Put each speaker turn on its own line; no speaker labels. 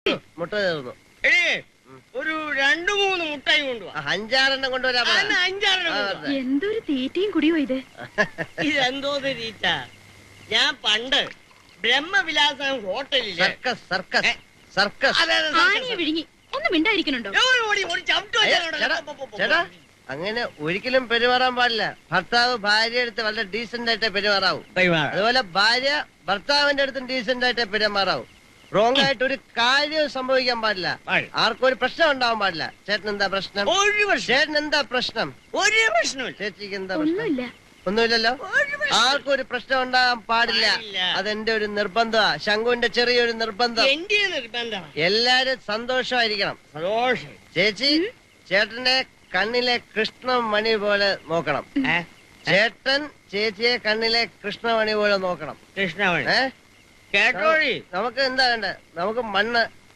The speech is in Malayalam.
മുട്ട തീർന്നു.
ഒരു 2-3 മുട്ടായി കൊണ്ടുപോവാ.
5-6 കൊണ്ടുവരാ.
5-6
എന്തൊരു തീറ്റയും കുടിയോ ഇത്.
ഇതെന്തോ തീറ്റ. ഞാൻ പണ്ട് ബ്രഹ്മവിലാസം ഹോട്ടലില്
ആനയെ വിഴുങ്ങി ഒന്ന് മിണ്ടായിരിക്കണുണ്ടോ?
ചേട്ടാ അങ്ങനെ ഒരിക്കലും പെരുമാറാൻ പാടില്ല. ഭർത്താവ് ഭാര്യ അടുത്ത് വളരെ ഡീസന്റ് ആയിട്ടേ പെരുമാറാവൂ. അതുപോലെ ഭാര്യ ഭർത്താവിന്റെ അടുത്തും ഡീസന്റ് ആയിട്ടേ പെരുമാറാവൂ. റോങ് ആയിട്ട് ഒരു കാര്യവും സംഭവിക്കാൻ പാടില്ല. ആർക്കും ഒരു പ്രശ്നം ഉണ്ടാവാൻ പാടില്ല. ചേട്ടൻ എന്താ പ്രശ്നം? ചേട്ടൻ എന്താ പ്രശ്നം?
ഒരു പ്രശ്നമില്ല.
ചേച്ചിക്ക് എന്താ പ്രശ്നം? ഒന്നുമില്ലല്ലോ. ആർക്കും ഒരു പ്രശ്നം ഉണ്ടാകാൻ പാടില്ല. അതെന്റെ ഒരു നിർബന്ധമാ. ശങ്കുവിന്റെ ചെറിയൊരു നിർബന്ധം. എല്ലാരും സന്തോഷമായിരിക്കണം. ചേച്ചി ചേട്ടന്റെ കണ്ണിലെ കൃഷ്ണമണി പോലെ നോക്കണം. ചേട്ടൻ ചേച്ചിയെ കണ്ണിലെ കൃഷ്ണമണി പോലെ നോക്കണം.
കൃഷ്ണമണി കേട്ടോഴി.
നമുക്ക് എന്താ വേണ്ടത്? നമുക്ക് മണ്ണ്